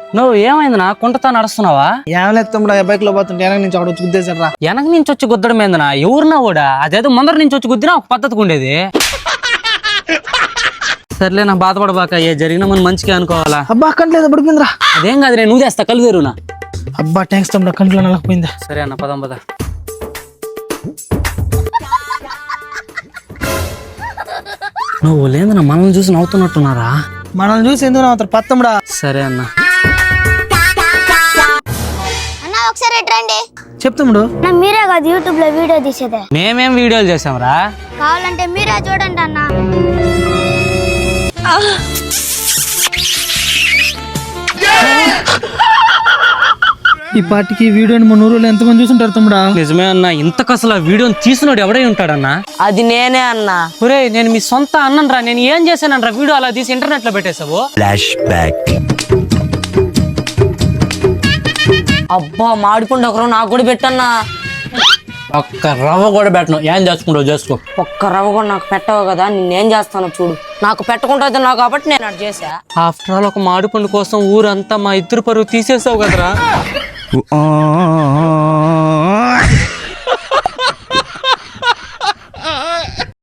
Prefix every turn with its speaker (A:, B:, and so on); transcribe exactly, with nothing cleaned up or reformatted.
A: నువ్వు ఏమైంది నా కుంటతా నడుస్తున్నావా?
B: ఏం లేదు తమ్ముడు, బైక్ లో పోతుంటే వెనక నుంచి ఒకటి వచ్చి గుద్దేశాడు రా.
A: వెనక నుంచి వచ్చి గుద్దడం ఏందనా? ఎవరున్నా కూడా అదేదో ముందర నుంచి వచ్చి గుద్దినా ఒక పద్ధతిగా ఉండేది. సర్లే నా బాధపడబాక, ఏ జరిగినా మనం మంచిగా అనుకోవాలా.
B: అబ్బా కంట్లేదు పడిపోయిందిరా.
A: అదేం కాదు, నేను నువ్వు చేస్తా కళ్ళు తెరువునా.
B: అబ్బా థ్యాంక్స్ తమ్ముడు, కంట్లో నలకపోయిందా.
A: సరే అన్న, పదం పద. నువ్వు లేదన్నా మనల్ని చూసి నవ్వుతున్నట్టున్నారా?
B: మనల్ని చూసి ఎందుకు నవ్వుతారు పత్తముడా.
A: సరే అన్న.
C: అన్న ఒకసారి రండి.
B: చెప్తాముడు.
C: మీరే కాదు యూట్యూబ్ లో వీడియో తీసేదే.
A: మేమేం వీడియోలు చేసాంరా?
C: కావాలంటే మీరే చూడండి అన్న.
B: ఈ పార్టీకి వీడియోని మన ఊరిలో ఎంతమంది చూసుంటారు తమ్ముడా?
A: నిజమే అన్న, ఇంతకు అసలు ఆ వీడియోని తీసినోడు ఎవడై ఉంటాడన్నా?
D: అది నేనే అన్నా.
A: ఒరే నేను మీ సొంత అన్నరా, నేను ఏం చేశానరా? వీడియో అలా తీసి ఇంటర్నెట్ లో పెట్టేసావు.
E: Flash back.
D: అబ్బా మాడిపండు ఒకరు నాకు కూడా పెట్టన్నా.
A: ఒక్క రవ్వ కూడా పెట్టను, ఏం చేసుకుంటావు చేసుకో.
D: ఒక్క రవ్వ కూడా నాకు పెట్టవు కదా, నేనేం చేస్తానో చూడు. నాకు పెట్టకుండా నాకు కాబట్టి నేను అటు చేసా.
A: ఆఫ్టర్ ఆల్ ఒక మాడిపండు కోసం ఊరంతా మా ఇద్దరు పరువు తీసేసావు కదరా.